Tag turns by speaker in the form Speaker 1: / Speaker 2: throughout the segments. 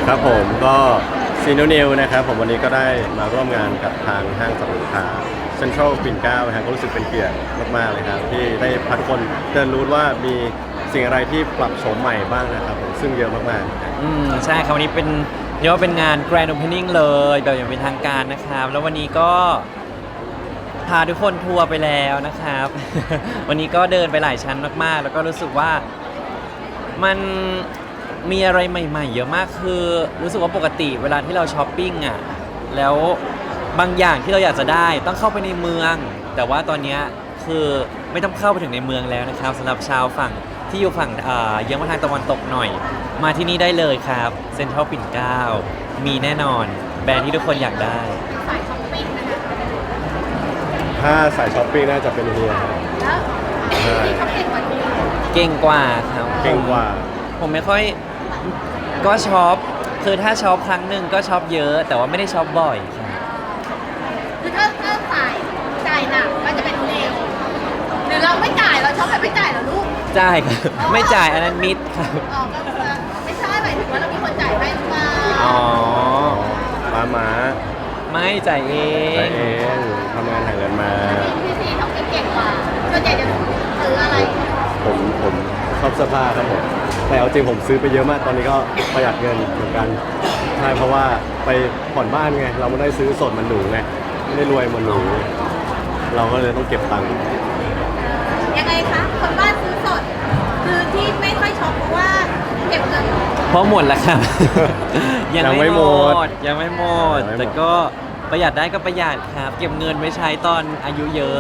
Speaker 1: ครับผมก็ซีโนนิวนะครับผมวันนี้ก็ได้มาร่วมงานกับทางห้างสรรพสินค้าเซ็นทรัลปิ่นเกล้านะครับก็รู้สึกเป็นเกียรติมากๆเลยครับที่ได้พาทุกคนเดินรู้ว่ามีสิ่งอะไรที่ปรับโฉมใหม่บ้างนะครับผมซึ่งเยอะมากๆ
Speaker 2: ใช่ครับวันนี้เป็นเรียกว่าเป็นงาน Grand Opening เลยแบบอย่างเป็นทางการนะครับแล้ววันนี้ก็พาทุกคนทัวร์ไปแล้วนะครับ วันนี้ก็เดินไปหลายชั้นมากๆแล้วก็รู้สึกว่ามันมีอะไรใหม่ๆเยอะมากคือรู้สึกว่าปกติเวลาที่เราช้อปปิ้งอ่ะแล้วบางอย่างที่เราอยากจะได้ต้องเข้าไปในเมือง แต่ว่าตอนนี้คือไม่ต้องเข้าไปถึงในเมืองแล้วนะครับสำหรับชาวฝั่งที่อยู่ฝั่งเยื้องมาทางตะวันตกหน่อยมาที่นี่ได้เลยครับเซ็นทรัลปิ่นเกล้ามีแน่นอนแบรนด์ที่ทุกคนอยากได้
Speaker 3: สายช้อปปิ้งนะคะ
Speaker 1: ถ้าสายช้อปปิ้งน่าจะเป็นเฮียครับ
Speaker 3: แล้วที่เขาเก่งกว่านี้
Speaker 2: เก่งกว่าครับ
Speaker 1: เก่งกว่า
Speaker 2: ผมไม่ค่อยก็ช็อปคือถ้าช็อปครั้งหนึ่งก็ช็อปเยอะ แต่ว่าไม่ได้ช็อปบ่อยครับ
Speaker 3: คือถ้าสายจ่ายหนักก็จะเป็นเร็วหรือเราไม่จ่ายเราช็อปแบบไม่จ่ายเหรอลูก
Speaker 2: จ่ายครับไม่จ่ายอันนั้นมิดครับ
Speaker 3: อ๋อก็คือไม่ใช่หมายถึงว่าเรามีคนจ่ายให้หรือเปล่า
Speaker 2: อ๋อ
Speaker 1: ม้า
Speaker 2: ไม่จ่ายเอ
Speaker 1: ใช้
Speaker 2: ง
Speaker 1: เองทำงานหาเงินมา
Speaker 3: พี่ซีเขาเก่งกว่าส่วนใหญ่จะซื้ออะไร
Speaker 1: ผมชอบเสื้อผ้าครับผมแต่เอาจริงผมซื้อไปเยอะมากตอนนี้ก็ประหยัดเงินเหมือนกันใช่เพราะว่าไปผ่อนบ้านไงเราไม่ได้ซื้อสดมันหรูไงไม่ได้รวยมันหรูเราก็เลยต้องเก็บตังค์
Speaker 3: ยังไงคะคนบ้านซื้อสดคือที่ไม่ค่อยช็อปเพราะว่าเก็บเงิน
Speaker 2: เพราะหมดแล้วครับ
Speaker 1: ยังไม่หมด
Speaker 2: ยังไม่หมด
Speaker 1: ยังไม่หมด
Speaker 2: แต่ก็ประหยัดได้ก็ประหยัดครับ เก็บเงินไว้ใช้ตอนอายุเยอะ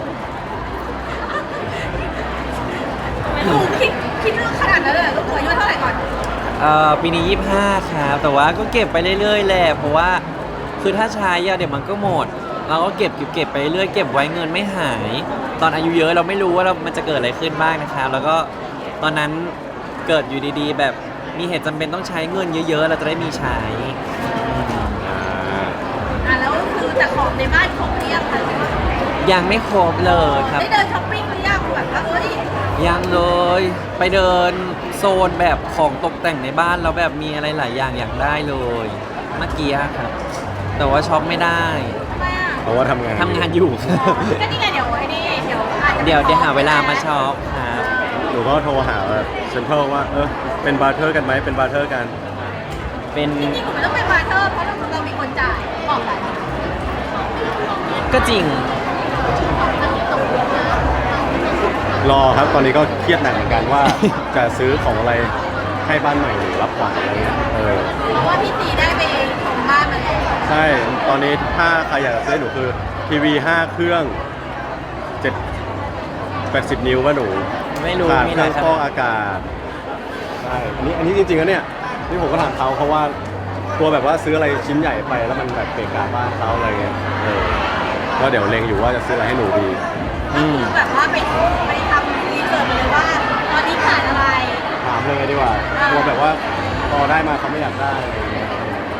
Speaker 3: ลูกคิดเรื่องขนาดนั้นเลยเหรอลูกอายุเท่าไหร่ก่อน
Speaker 2: ปีนี้25ครับแต่ว่าก็เก็บไปเรื่อยๆแหละเพราะว่าคือถ้าใช้อะเดี๋ยวมันก็หมดเราก็เก็บไปเรื่อยเก็บไว้เงินไม่หาย ตอนอายุเยอะเราไม่รู้ว่ามันจะเกิดอะไรขึ้นบ้างนะครับแล้วก็ตอนนั้นเกิดอยู่ดีๆ แบบมีเหตุจำเป็นต้องใช้เงินเยอะๆเราจะได้มีใช้
Speaker 3: แล้วคือแต่ของในบ้านของเรียบค่ะ
Speaker 2: ยังไม่ครบเลยครับ
Speaker 3: ได้เดินช้อปปิ้งหรือยังแบบว่า
Speaker 2: ยังเลยไปเดินโซนแบบของตกแต่งในบ้านแล้วแบบมีอะไรหลายอย่างอยากได้เลยเมื่อกี้ครับ แต่ว่าช็อปไม่ได้
Speaker 3: ทำไมอ่ะ
Speaker 1: เพราะว่าทำงาน
Speaker 2: ทำงานอยู่
Speaker 3: ก็นี่ไงเดี๋ยวไอ้นี่เดี๋ยวอาจจะ
Speaker 2: เดี๋ยวหาเวลามาช็อปครับ
Speaker 1: หนูก็โทรหาเซ็นทรัลว่าเป็นบาร์เทอร์กันไหมเป็นบาร์เทอร์กัน
Speaker 2: เป็น
Speaker 3: จริงๆผมไม่ต้องเป็นบาร์เทอร์เพราะเรามีคนจ่ายบอกเลย
Speaker 2: ก็จริง
Speaker 1: รอครับตอนนี้ก็เครียดหนักเหมือนกันว่า จะซื้อของอะไรให้บ้านใหม่หรือรับขวัญอะไรเงี้ย
Speaker 3: เพราะว่าพี่ตีได้ไปชมบ้านมาแล้ว
Speaker 1: ใช่ตอนนี้ถ้าใครอยากจะซื้อให้หนูคือทีวี5เครื่อง80 นิ้วว่าหนู
Speaker 2: ไม่รู้
Speaker 1: ขาด
Speaker 2: มี
Speaker 1: เค
Speaker 2: ห
Speaker 1: รื่
Speaker 2: ลา
Speaker 1: อย ง
Speaker 2: ข
Speaker 1: ฟอ
Speaker 2: นาด
Speaker 1: กอากาศใช่อันนี้จริงๆแล้วเนี่ยนี่ผมก็ถามเขาเพราะว่าตัวแบบว่าซื้ออะไรชิ้นใหญ่ไปแล้วมันแบบเกะกะบ้านเขาอะไรเงี้ยก็เดี๋ยวเล็งอยู่ว่าจะซื้ออะไรให้หนูดี
Speaker 3: ก็คือแบบว่าไปทำรีเสิร์ชเลยว่าตอนนี้ขาดอะไร
Speaker 1: ถามเลยดีกว่าตัวแบบว่าพอได้มาเขาไม่อยากได้อะไรเงี้ย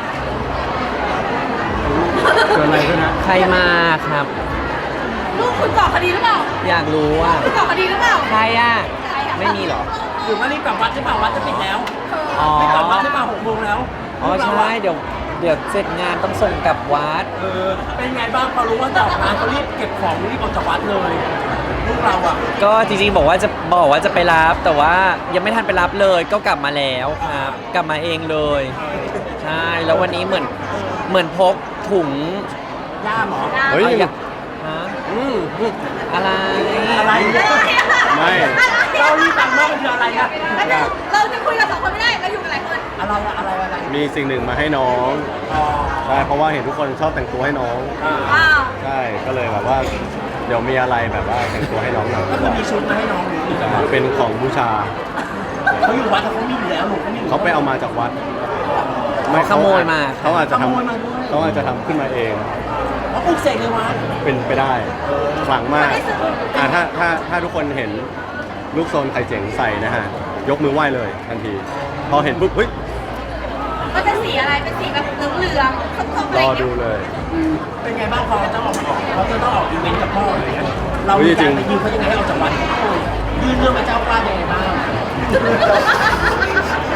Speaker 1: เกิดอะไรขึ้นนะ
Speaker 2: ใครมาครับ
Speaker 3: ลูกคุณก่อคดีหรือเปล่า
Speaker 2: อยากรู้ว่า
Speaker 3: คุณก่อคดีหรือเปล่า
Speaker 2: ใครอ่ะ ไม่มีเหรอ
Speaker 4: หรือว่ารีบกลับวัดใช่เปล่าวัดจะปิดแล้ว
Speaker 2: อ๋อ
Speaker 4: รีบกลับวัดใช่เปล่า6 โมงแล้ว
Speaker 2: อ๋อใช่เดี๋ยวเสร็จงานต้องส่งกลับวัด
Speaker 4: เป็นไงบ้างพอรู้ว่าจะออกงานเขารีบเก็บของรีบออกจากวัดเลยลูกเราอ่ะ
Speaker 2: ก็จริงๆบอกว่าจะไปรับแต่ว่ายังไม่ทันไปรับเลยก็กลับมาแล้วครับ กลับมาเองเลยใช่แล้ววันนี้เหมือนพกถุง
Speaker 4: ย่าหมอ
Speaker 1: เฮ้ย
Speaker 2: ฮะอะไร
Speaker 4: อะไรเนี่ย
Speaker 1: ไม่
Speaker 4: เรารีบฟังว่ามันคืออะไรอะ
Speaker 3: เราจะคุยกับสองคนไม่ได้เราอยู่กันหลายคน
Speaker 4: อะไรอะอะไร
Speaker 1: มีสิ่งหนึ่งมาให้น้อง
Speaker 4: อ๋อ
Speaker 1: ใช่เพราะว่าเห็นทุกคนชอบแต่งตัวให้น้อง
Speaker 3: ว้าว
Speaker 1: ใช่ก็เลยแบบว่าเดี๋ยวมีอะไรแบบว่าแต่งตัวให้น้องหน่อย
Speaker 4: ก็คือมีชุดมาให้น้องหนู
Speaker 1: จะเป็นของบูชา
Speaker 4: เขาอยู่วัดแล้วเขามีอยู่แล้วหนูเขามีอยู่
Speaker 1: เขาไปเอามาจากวัด
Speaker 2: ขโมยมา
Speaker 1: เขาอาจจะ
Speaker 4: ข
Speaker 1: ท
Speaker 4: โมยมาด้วย
Speaker 1: ำเขาอาจจะทำขึ้นมาเอง
Speaker 4: เขาปลุกเสกในวัด
Speaker 1: เป็นไปได้ขลังมากถ้าทุกคนเห็นลูกโซนไข่เจ๋งใส่นะฮะยกมือไหว้เลยทันที พอเห็นปุ๊บเฮ้ย
Speaker 3: มันเป็นสีอะไรเป็นสีแบบเหลืองๆส้มๆอะไร
Speaker 1: ร
Speaker 3: อ
Speaker 1: อย่าง
Speaker 3: เงี้
Speaker 1: ดู
Speaker 3: ย
Speaker 1: เลย
Speaker 4: เป็นไงบ้างพอจะออกมาเขาจะต้องออกอีเวนต์กับพ่ออะไรเงี้ยเรามีการไปยืมเขายังไงให้ออกจากวัดยื่นเรื่องกับเจ้าป้ายังไงบ้าง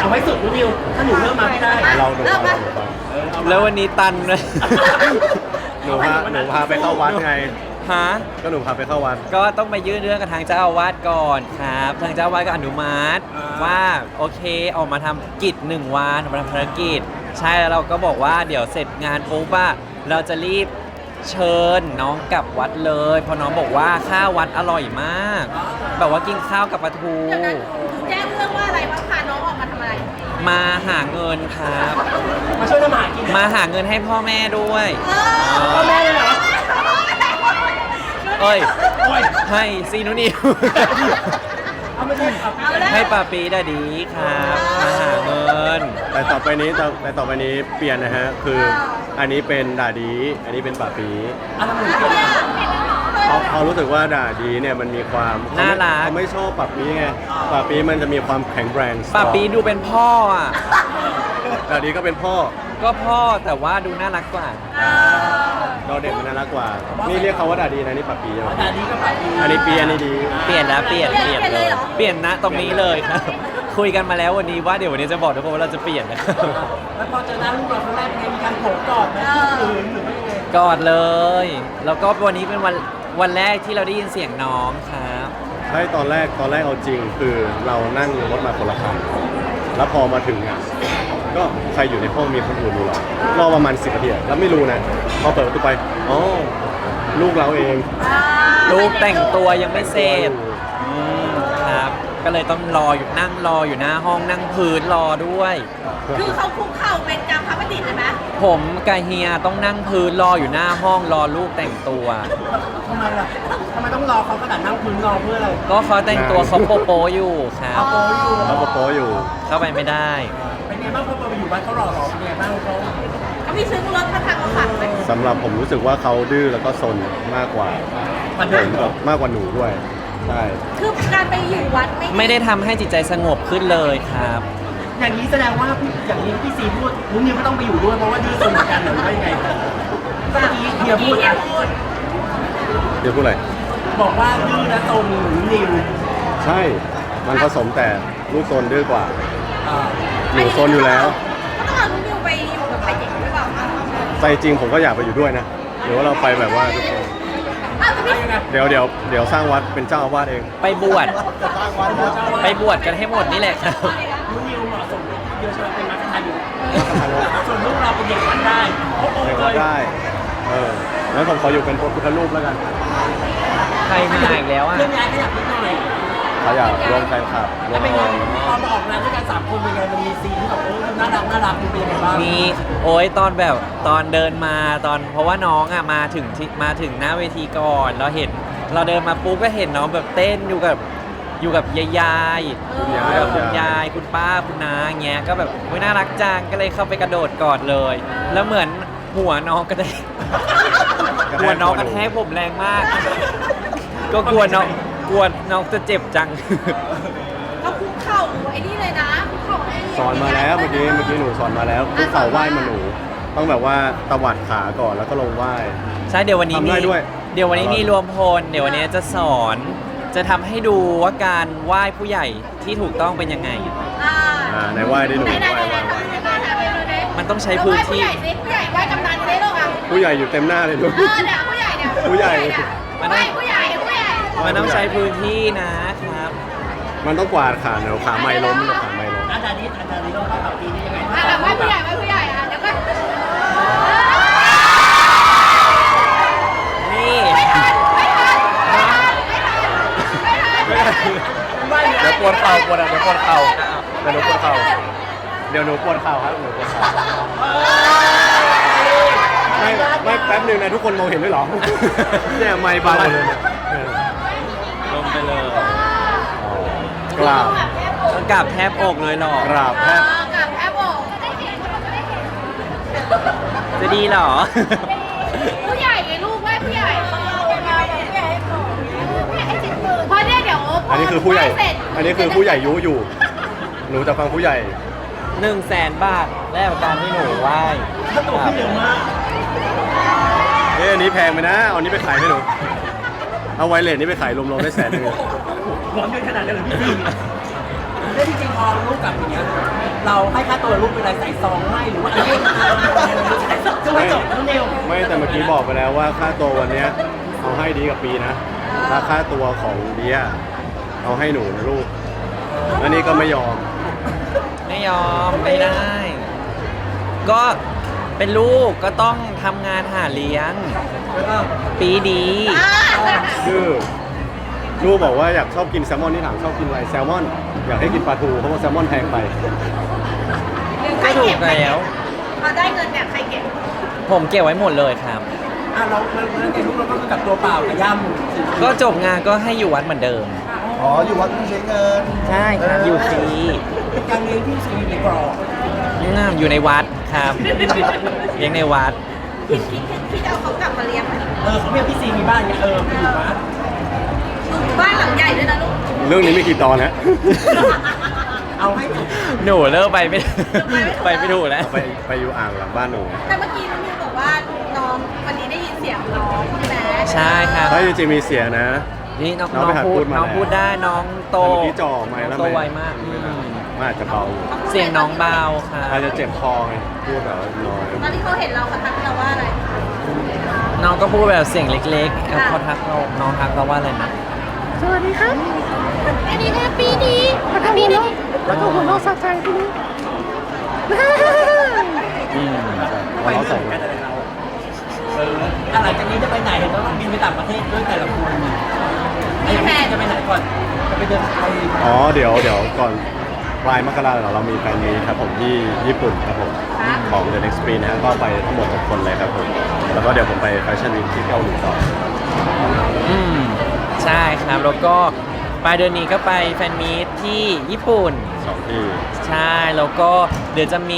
Speaker 4: เอาไว้สุดนิวถ้าหนูเริ่มมาไม่ได้
Speaker 1: เราหนูฟัง
Speaker 2: แล้ววันนี้ตันเลย
Speaker 1: หนูพาไปเข้าวัดไง
Speaker 2: ฮะ
Speaker 1: ก็หนูพาไปเข้าวัด
Speaker 2: ก็ต้องไปยื่นเรื่องกับทางเจ้าอาวาสก่อนครับ ทางเจ้าอาวาสก็อนุมัติว่าโอเคออกมาทำกิจ1 วันออกมาทำภารกิจ ใช่แล้วเราก็บอกว่าเดี๋ยวเสร็จงานปุ๊บว่าเราจะรีบเชิญน้องกลับวัดเลยเพราะน้องบอกว่าข้าววัดอร่อยมาก แบบว่ากินข้าวกับปลาทู
Speaker 3: เดี๋ยวนั้นแจ้งเรื่องว่าอะไรว่าพาน้องออกมาทำอะไร
Speaker 2: มาหาเงินครับ
Speaker 4: มาช่วยทำอาหารกิน
Speaker 2: มาหาเงินให้พ่อแม่ด้วย
Speaker 4: พ่อแม่เลยเหรอ
Speaker 2: เอ้ย
Speaker 4: โอ้ย
Speaker 2: ให้ซีนุนิว
Speaker 4: เอาไม่ใช่เอา
Speaker 3: เอาแล้ว
Speaker 2: ให้ปาปีดาดีครับมาหาเงิน
Speaker 1: แต่ต่อไปนี้เปลี่ยนนะฮะ คืออันนี้เป็นด่าดี อันนี้เป็นป่าปี
Speaker 4: อะไรเหมือนกัน
Speaker 1: เขารู้สึกว่าด่าดีเนี่ยมันมีความ
Speaker 2: น่ารัก
Speaker 1: เขาไม่ชอบป่าปีไงป่าปีมันจะมีความแข็งแรง
Speaker 2: ปาปีดูเป็นพ่ออ่ะ
Speaker 1: ด่าดีก็เป็นพ่อ
Speaker 2: ก็พ่อแต่ว่าดูน่ารักกว่า
Speaker 1: เราเด็กมันน่ารักกว่า นี่เรียกเขาว่าด่าดีนะนี่ป่าปีใช่ไหม
Speaker 4: แต่นี้ก็แบบดี
Speaker 1: อันนี้ปีอันนี้ดี
Speaker 2: เปลี่ยนแล้วเปลี่ยน
Speaker 3: เปลี่ยนเลยเหรอ
Speaker 2: เปลี่ยนนะตรงนี้เลยครับ คุยกันมาแล้ววันนี้ว่าเดี๋ยววันนี้จะบอกทุกคนว่าเราจะเปลี่ยนนะครับ
Speaker 4: แล้วพอเจอหน้าลูกเราครั้งแรกเป็นไงมีการโผล่กอดไหมคืนหรือไม่ยังไง
Speaker 2: กอดเลย แล้วก็วันนี้เป็นวันแรกที่เราได้ยินเสียงน้องครับ
Speaker 1: ใช่ตอนแรกเอาจริงคือเรานั่งรถมาคนละคันแล้วพอมาถึงอ่ะก็ใครอยู่ในห้องมีคนอื่นอยู่หรอรอประมาณ10 นาทีอะแล้วไม่รู้นะพอเปิดประตูไปอ๋อลูกเราเอง
Speaker 2: ลูกแต่งตัวยังไม่เสร็จอืมครับ ก็เลยต้องนั่งรออยู่หน้าห้องนั่งพื้นรอด้วย
Speaker 3: คือเขาคุกเข่าเป็นกรรมพระประดิษฐ์เลยไหม
Speaker 2: ผมกับเฮียต้องนั่งพื้นรออยู่หน้าห้องรอลูกแต่งตัว
Speaker 4: ทำไมล่ะทำไมต้องรอเขาขนาดนั่งพื้นรอเพื่ออะไร
Speaker 2: ก็เขาแต่งตัวเขาโปอยู่ครับ
Speaker 4: โอ้ยอยู่
Speaker 1: เขาก็โป๊อยู่
Speaker 2: เข้าไปไม่ได้
Speaker 4: เป็นไงบ้างพอไปอยู่บ้านเขาหล่อเป็นไงบ้างเขา
Speaker 3: เขามีซื้อรถมาทางเขาขับไหม
Speaker 1: สำหรับผมรู้สึกว่าเขาดื้อแล้วก็ซนมากกว่า
Speaker 4: มันเดินเหรอ
Speaker 1: มากกว่าหนูด้วยใช่
Speaker 3: คือการไปอยู่วัด
Speaker 2: ไม่ได้ทำให้จิตใจสงบขึ้นเลยครับ
Speaker 4: อย่างนี้แสดงว่าอย่างนี้พี่ซีพูดนุ้นนิวก็ต้องไปอยู่ด้วยเพราะว่าดื้อซนเหมือนกันหรือว่ายังไงเมื่อกี้เฮียพูดนะ
Speaker 1: เดี๋ยวพูดอะไร
Speaker 4: บอกว่าดื้อและซนหนุนนิว
Speaker 1: ใช่มันผสมแต่ลูกซนดื้อกว่า
Speaker 4: อ่า
Speaker 1: หนูซนอยู่แล้ว
Speaker 3: ก็ต้องเอาลูกนิวไปอยู่กับใครเด็กหรือเปล่า
Speaker 1: ใจจริงผมก็อยากไปอยู่ด้วยนะหรือว่าเราไปแบบว่าทุกคน
Speaker 3: อ้าวแต่พี่
Speaker 4: ยังไง
Speaker 1: เดี๋ยวสร้างวัดเป็นเจ้าอาวาสเอง
Speaker 2: ไปบวชไปบวชกันให้หมดนี่แหละครับ
Speaker 4: นุ้นนิวเหมาะสมเยอะใช่ไหมเป็นมัคคทายอยู่ส่วนลูกเราเป็นเด็กวัดได้โอ้โห
Speaker 1: เด็ก
Speaker 4: เล
Speaker 1: วัด
Speaker 4: ย
Speaker 1: ได้งั้นผมขออยู่เป็นพระพุทธรูปแล้วกัน
Speaker 2: ใครมาอีกแล้วอ่ะ
Speaker 4: เรื่องย้ายขยับนิดหน่อย
Speaker 1: เขาอยากรวมแฟนคลับรว
Speaker 4: แล้ว
Speaker 1: ม
Speaker 4: เป็นไงพอมาออกงานด้วยกัน3 คนเป็นไงมันมีซีนที่แบบน่ารักมันเป็นยังไงบ้าง
Speaker 2: มีโอ้ยตอนแบบตอนเดินมาตอนเพราะว่าน้องอ่ะมาถึงหน้าเวทีก่อนเราเดินมาปุ๊บก็เห็นน้องแบบเต้นอยู่กับยายอยู่กับคุณยายคุณป้าคุณน้าอย่างเงี้ยก็แบบโอ้ยน่ารักจังก็เลยเข้าไปกระโดดกอดเลย แล้วเหมือนหัวน้องก็ได้ หัวน้องกระแทกผมแรงมาก ก็กลัวน้องจะเจ็บจัง
Speaker 3: เขาคุกเข่าไอ้นี่เลยนะคุกเข่าให้
Speaker 1: สอนมาแล้วเมื่อกี้หนูสอนมาแล้วคุกเข่าไหว้มาหนู ต้องแบบว่าตวัดขาก่อนแล้วก็ลงไหว้
Speaker 2: ใช่เดี๋ยววันนี้
Speaker 1: ทำได้ด้วย
Speaker 2: เดี๋ยววันนี้มีรวมพลเดี๋ยววันนี้จะสอนจะทำให้ดูว่าการไหว้ผู้ใหญ่ที่ถูกต้องเป็นยังไง
Speaker 1: ในไหว้ได้หนู
Speaker 3: ไหน
Speaker 1: ไหว้
Speaker 3: ๆๆๆทำยังไงทำยังไง
Speaker 2: มันต้องใช้พื้นที่
Speaker 3: เราไหว้ผู้ใหญ่สิผู้ใหญ่ไหว้กำนันได้หรออ่ะ
Speaker 1: ผู้ใหญ่อยู่เต็มหน้าเลยลูก
Speaker 3: เนี่ยผู้ใหญ่เนี่ย
Speaker 1: ผู้ใหญ่
Speaker 2: มัน
Speaker 3: ไห
Speaker 2: ต้
Speaker 3: ว้
Speaker 2: อง
Speaker 3: ผู้ใหญ่ผู้ใหญ่
Speaker 2: มันต้องใช้พื้นที่นะครับ
Speaker 1: มันต้องกวาดขาเดี๋ยวขาไม่ล้มเดี๋ยวขาไม่ล้ม
Speaker 4: อาจารย์นี้ต้องเข้ากับปีนี้ยังไง
Speaker 3: อ่ะแบบไหว้ผู้ใหญ่ไหว้ผู้ใหญ่อ่ะเดี๋ยวก็
Speaker 2: นี่
Speaker 3: ไม่ทัน
Speaker 1: เดี๋ยวปวดเข่าเดี๋ยวปวดเข่าเดี๋ยวหนูปวดเข่าเดี๋ยวหนูปวดเข่าครับหนูปวดเข่าไม่แป๊บหนึงนะทุกคนมองเห็นด้วยเหรอเนี่ยไม่เบาเลยเนี่ย
Speaker 2: ลงไปเลย
Speaker 1: กราบ
Speaker 2: ต้องกราบแทบอกเลยหรอก
Speaker 1: ราบแทบ
Speaker 3: กับแอปบอกจะได้เห็นจะได้เห็น
Speaker 2: จะดีเหรอ
Speaker 3: ผู้ใหญ่ไงลูกไหว้ผู้ใหญ่ผู้ใหญ่ให้จิตมือเพราะเนี่ยเดี๋ยว
Speaker 1: อันนี้คือผู้ใหญ่
Speaker 3: เสร็จ
Speaker 1: อันนี้คือผู้ใหญ่ยุอยู่ หนูจะฟังผู้ใหญ่
Speaker 2: 100,000 บาทแลกกับการที่หนูไหว้
Speaker 4: ถ้าโตขึ้นเร็วมาก
Speaker 1: อันนี้แพงไปนะ เอาอันนี้ไปขายไหมหนู เอาไวเลสนี่ไปขายรวมๆได้100,000
Speaker 4: หวังเงินขนาดนั้นเลยพี่ซีแล้วจริงๆพอลูกกลับอย่างเงี้ยเราให้ค่าตัวลูกเป็นอะไรใส่ซองให้หรือว่าอะไรจะไม่จบน้องนิว
Speaker 1: ไม่แต่เมื่อกี้บอกไปแล้วว่าค่าตัววันเนี้ยเอาให้ดีกับปีนะถ้าค่าตัวของเดียเอาให้หนูนะลูกอันนี้ก็ไม่ยอม
Speaker 2: ไม่ยอมไม่ได้ ก็เป็นลูกก็ต้องทำงานหาเลี้ยง ปีดี
Speaker 1: คือลูกบอกว่าอยากชอบกินแซลมอนที่ถามชอบกินอะไรแซลมอนอยากให้กินปลาทูเพราะว่าแซลมอนแพงไป
Speaker 2: ก็ถูกแล้ว
Speaker 3: พอได้เงินเนี่ยใครเก็บ
Speaker 2: ผมเก็บไว้หมดเลยครับ
Speaker 4: เราในลูกเราก็คือกลับตัวเปล่ากับย่ำ
Speaker 2: ก็จบงานก็ให้อยู่วัดเหมือนเดิม
Speaker 5: อ๋อ อยู่วัดต้องใช้เงิน
Speaker 2: ใช่ครับอยู่ฟรี
Speaker 4: การเลี้ยงที่ซีในกรอบ
Speaker 2: อยู่ในวัดครับเลี้ยงในวัด
Speaker 3: คิดเอาเขากลับมาเลี้ยงไหม
Speaker 4: เขาเรียกพี่ซีมีบ้านเนี่ยไปอยู่บ้าน
Speaker 3: บ้านหลังใหญ่ด้วยนะลูก
Speaker 1: เรื่องนี้ไม่กี่ตอนนะ
Speaker 4: เอาให้จบ
Speaker 2: หนูเลิกไปไม่ ไปไม่ถูกแล้ว
Speaker 1: ไปอยู่อ่างหลังบ้านหนู
Speaker 3: แต่เมื่อกี้น้องนิวบอกว่าน้องวันนี้ได้ยินเสียงน้องใช่ไหม
Speaker 2: ใช่ครับ
Speaker 1: ถ้าจริงๆมีเสียงนะ
Speaker 2: นี่น้อง
Speaker 1: น้องไปหัดพูดมา
Speaker 2: น้อง
Speaker 1: แล้ว
Speaker 2: พูดได้น้องโต
Speaker 1: แต่เมื่อกี้จ่อไม่แล้ว
Speaker 2: โตไวมาก
Speaker 1: มันอาจจะเบา
Speaker 2: เสียงน้องเบาค่ะ
Speaker 1: อาจจะเจ็บคอไงพูดแบบน้อย
Speaker 3: ตอนที่เขาเห็นเราเขาทักเราว่าอะไร
Speaker 2: น้องก็พูดแบบเสียงเล็กๆเขาทักเราน้องทักเราว่าอะไรนะ
Speaker 3: อันนี้นะปีดีปีดี
Speaker 1: แล้วก็หัวเราะสะใจทีนี้
Speaker 4: ไป
Speaker 1: เรา
Speaker 4: เรื่
Speaker 1: ใส่
Speaker 4: อยกันอะไรเราหลังจากนี้จะไปไหนเห็นว่าบินไปต่างประเทศด้วยแต่ละคนไอ้แม่จะไปไหนก่อนจะไปเดินไทย
Speaker 1: อ๋อเดี๋ยวก่อนปลายมกราเรามีแฟนมีครับผมที่ญี่ปุ่นครับผมของ The Next Sprint นะฮะก็ไปทั้งหมด6คนเลยครับผมแล้วก็เดี๋ยวผมไปแฟชั่นวีคที่เกาหลีต่อ
Speaker 2: อืมใช่ครับแล้วก็ปลายเดือนนี้ก็ไปแฟนมีตที่ญี่ปุ่น
Speaker 1: 2 ที่
Speaker 2: ใช่แล้วก็เดี๋ยวจะมี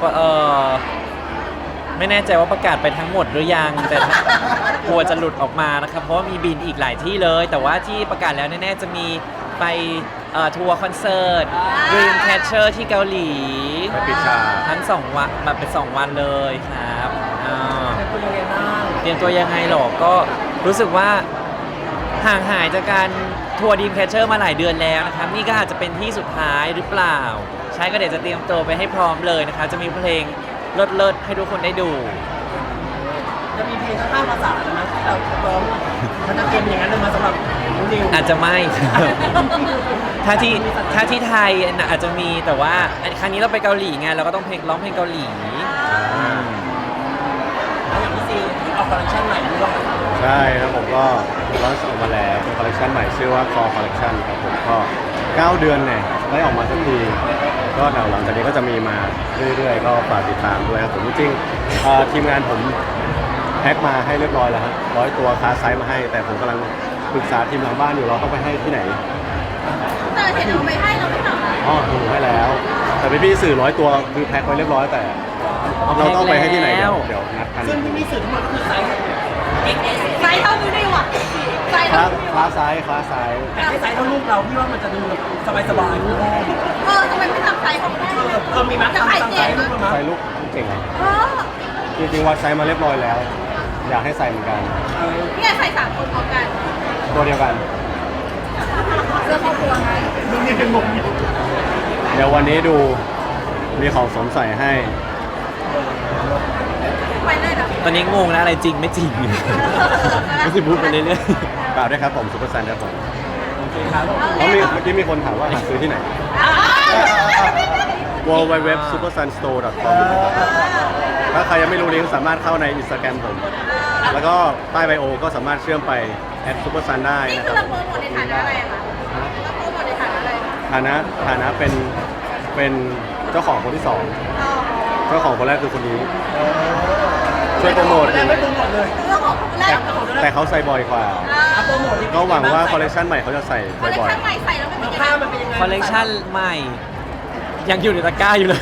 Speaker 2: ไม่แน่ใจว่าประกาศไปทั้งหมดหรือยังแต่กลัวจะหลุดออกมานะครับเพราะว่ามีบินอีกหลายที่เลย แต่ว่าที่ประกาศแล้วแน่ๆจะมีไปทัวร์คอนเสิร์ต Dreamcatcher ที่เกาหลี
Speaker 1: ไปปิดฉาก
Speaker 2: ทั้ง2 วันมาเป็น2 วันเลยครับ
Speaker 4: เป็นตัวยังไงบ้าง
Speaker 2: เตรียมตัวยังไงหรอก็รู้สึกว่าห่างหายจากการทัวร์ Dreamcatcher มาหลายเดือนแล้วนะครับนี่ก็อาจจะเป็นที่สุดท้ายหรือเปล่า ใช่ก็เดี๋ยวจะเตรียมตัวไปให้พร้อมเลยนะคะจะมีเพลงเลิศๆให้ทุกคนได้ดู
Speaker 4: จะมีเพลงทั้ง5 ภาษาเลยนะที่เราร้องมันจะเตรียมอย่างนั้นเลยมาสำหรับน้องนิว
Speaker 2: อาจจะไม่ ถ้าที่ไทยน่ะอาจจะมีแต่ว่าครั้งนี้เราไปเกาหลีไงเราก็ต้องร้องเพลงเกาหลี
Speaker 4: แล้วอย่างพี่ซีที่ออกคอลเลคชันใหม่ด้วย
Speaker 1: ใช่ครับผมก็ลอนช์ออกมาแล้วเป็นคอลเลคชันใหม่ชื่อว่า Core Collection ครับผมก็ 9 เดือนเนี่ยได้ออกมาสักทีก็เดี๋ยวหลังจากนี้ก็จะมีมาเรื่อยๆ ก็ฝากติดตามด้วยครับผมจริงๆทีมงานผมแพ็คมาให้เรียบร้อยแล้วฮะ100 ตัวคาไซส์มาให้ แต่ผมกำลังปรึกษาทีมหลังบ้านอยู่เราต้องไปให้ที่ไหน
Speaker 3: แต่เห็นเอาไปให้เราไม่ทำอะไร
Speaker 1: อ๋อถูกให้แล้ว แต่พี่ๆสื่อ100 ตัวคือแพ็คไว้เรียบร้อยแต่เราต้องไปให้ที่ไหนเดี๋ยวนัดกัน
Speaker 4: ซึ่งที่มีสื่อทั้งหมดก็คือไซส์
Speaker 3: XS ไซส์เท่านี้ได้ว่ะไซส์
Speaker 1: คลา
Speaker 3: เท่า
Speaker 1: ไซส์คลาไซส์
Speaker 4: แต่ให้ไซส์เท่าลูกเราพี่ว่ามันจะดูสบายๆคุณพ่อ
Speaker 3: ทำไมไม่ทำไซส์ของแม่
Speaker 4: มีมั้ย
Speaker 3: จะ
Speaker 4: ทำ
Speaker 3: ขาย
Speaker 4: ตาม
Speaker 3: เจ๋
Speaker 4: ไซ
Speaker 3: ง
Speaker 4: ส์ลูก
Speaker 3: นะ
Speaker 4: มั้ย
Speaker 1: ใส่ลูกเก่งเหรอ
Speaker 3: เออ
Speaker 1: จริงๆวัดไซส์มาเรียบร้อยแล้ว อยากให้ใส่เหมือนกัน
Speaker 3: เนี่ยใส่3 คนพร้อมกัน
Speaker 1: ตัวเดียวกัน
Speaker 3: เสื้อครอบครัวไง
Speaker 4: ดูนี่เป็นงงอยู่
Speaker 1: เดี๋ยววันนี้ดูมีของสวมใส่ให้
Speaker 3: ไปเลยเหรอ
Speaker 2: ตอนนี้งงแล้วอะไรจริงไม่จริง ไม่ใช่พูดไปเรื่อย
Speaker 1: เปล่าด้วยครับผมซุปเปอร์ซันครับผม
Speaker 4: โอเคครับ
Speaker 1: เมื่อกี้มีคนถามว่าหาซื้อที่ไหน www.supersunstore.com ถ้าใครยังไม่รู้ลิงก์สามารถเข้าใน Instagram ผม แล้วก็ใต้ไบโอก็สามารถเชื่อมไป @supersun ได้
Speaker 3: นี่
Speaker 1: นะ
Speaker 3: คื
Speaker 1: ค
Speaker 3: อ
Speaker 1: รับ
Speaker 3: เราโปรโมทในฐานะอะไรอะคะเราโปรโมทในฐานะอะไร
Speaker 1: ฐานะเป็นเจ้าของคนที่สอง
Speaker 3: อ๋อ
Speaker 1: เจ้าของคนแรกคือคนนี้ ช่วยโปรโมท
Speaker 4: แล้วไม่โปรโมทเลย
Speaker 3: เรื่องของคนแรก
Speaker 1: แต่เขาใส่บ่อยกว่า
Speaker 4: โปรโมท
Speaker 1: ก็หวังว่าคอลเลคชันใหม่เขาจะใส่
Speaker 3: คอลเลค
Speaker 1: บ่อย
Speaker 3: ชั่นใหม่ใส่แล้วมันเป็นยังไง
Speaker 4: ผ้ามันเป็นยังไง
Speaker 2: ๆคอลเลกชันใหม่ ยังอยู่ในตะกร้าอยู่เลย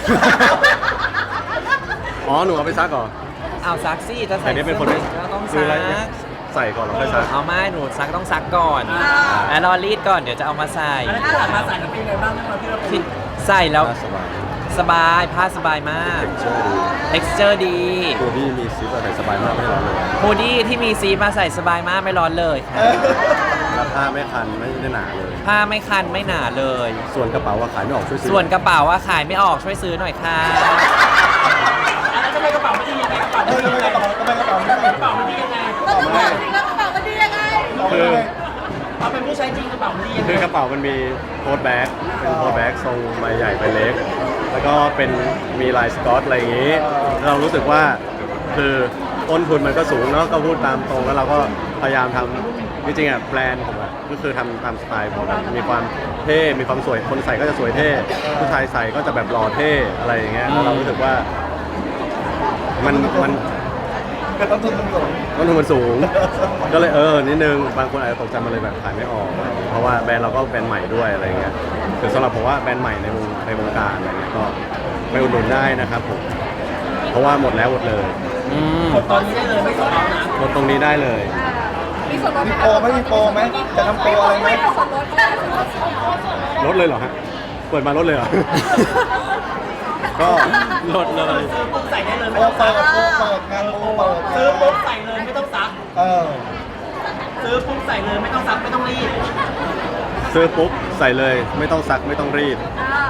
Speaker 1: อ๋อหนูเอาไปซักก่อน
Speaker 2: เอาซักซี่ถ้า
Speaker 1: แต่
Speaker 2: ใส่
Speaker 1: นี่เป็นคน
Speaker 2: ก็ต้อง
Speaker 1: ซื้
Speaker 2: ซั
Speaker 1: ออะไร
Speaker 2: ก
Speaker 1: ใส่ก่อนแล้วค่อยซัก
Speaker 2: เอาไม่หนูซักต้องซักก่อน แล้วรอรีดก่อนเดี๋ยวจะเอามาใส่
Speaker 4: อันนั้นที่ผ่านมาใส่แล้วเป็นยังไงบ้างที่เราเป็น
Speaker 2: ใส่แล้ว
Speaker 1: สบาย
Speaker 2: สบายผ้าสบายมาก texture ดี
Speaker 1: ตัวที่มีซิปอะใส่สบายมากไม่ร้อนเลย
Speaker 2: ฮูดี้ที่มีซีมาใส่สบายมากไม่ร้อนเลยครับ
Speaker 1: แล้วผ้าไม่คันไม่ได้หนาเลย
Speaker 2: ผ้าไม่คันไม่หนาเลย
Speaker 1: ส่วนกระเป๋าว่าขายไม่ออกช่วยซื้อ
Speaker 2: ส่วนกระเป๋าว่าขายไม่ออกช่วยซื้อหน่อยค่ะ
Speaker 4: แล้วทำไมกระเป๋าไม่ดียังไงกระเป๋า
Speaker 5: เอ
Speaker 4: ไม่
Speaker 5: อ
Speaker 4: ดี
Speaker 5: ทำไม
Speaker 4: ยังไง
Speaker 5: กระเป๋าไม่ได้
Speaker 4: กระเป๋ามันดียังไง
Speaker 3: เราต้องบอกสิว่ากระเป๋ามันดียังไง
Speaker 1: คือ
Speaker 4: เอาเป็นผู้ใช้จริงกระเป๋ามันดียังไง
Speaker 1: คือกระเป๋ามันมีโค้ดแบ็กเป็นโค้ดแบ็กทรงใบใหญ่ใบเล็ก แล้วก็เป็นมีลายสกอตอะไรอย่างนี้ เรารู้สึกว่าคือต้นทุนมันก็สูงเนาะก็พูดตามตรงแล้วเราก็พยายามทำจริงๆอ่ะแบรนด์ผมอ่ะก็คือทำตามสไตล์ผมอะมีความเท่มีความสวยคนใส่ก็จะสวยเท่ผู้ชายใส่ก็จะแบบหล่อเท่อะไรอย่างเงี้ยแล้วเรารู้สึกว่ามัน
Speaker 5: ก็ต้องทุนมันสูง
Speaker 1: ต้นทุนมันสูง ก็เลยนิดนึงบางคนอาจจะตกใจมันเลยแบบขายไม่ออกอะไรอย่างเงี้ยเพราะว่าแบรนด์เราก็แบรนด์ใหม่ด้วยอะไรอย่างเงี้ยคือสำหรับผมว่าแบรนด์ใหม่ในวงการอะไรเงี้ยก็ไปอุดหนุนได้นะครับผมเพราะว่าหมดแล้วหมดเลย
Speaker 2: อืม
Speaker 4: กดตอนนี้ได้เลยไม่ต้องเอานะ
Speaker 1: หมดตรงนี้ได้เลย
Speaker 3: มีส่วนลดไหม
Speaker 5: มีโปรไหมมีโปรไหมจะทำโปรอะไรไหม
Speaker 3: มีส่วนลดไหม
Speaker 1: ลดเลยเหรอฮะเปิดมาลดเลยเหรอ ก็
Speaker 2: ลดเลย
Speaker 4: ซื้อปุ๊บใส่ได้เลย
Speaker 5: โป
Speaker 4: ไม่
Speaker 5: ร
Speaker 4: ต้อง
Speaker 5: เปิ
Speaker 4: ซัก
Speaker 5: ดโปรเปิดงานโปรเปิด
Speaker 4: ซื้อปุ๊บใส่เลยไม่ต้องซัก
Speaker 5: เออ
Speaker 4: ซื้อปุ๊บใส่เลยไม่ต้องซักไม่ต้องรีด
Speaker 1: ซื้อปุ๊บใส่เลยไม่ต้องซักไม่ต้องรีด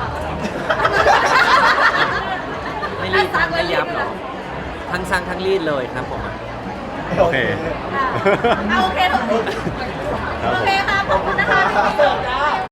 Speaker 2: ไม่รีดไม่ยับหรอทั้งซักทั้งรีดเลยครับผม
Speaker 1: โอเค
Speaker 3: เอาโอเคเถอะ
Speaker 1: ครับ
Speaker 3: โอ
Speaker 1: ผม
Speaker 3: เคค่ะขอบคุณนะคะ
Speaker 4: เสิร์ฟจ้า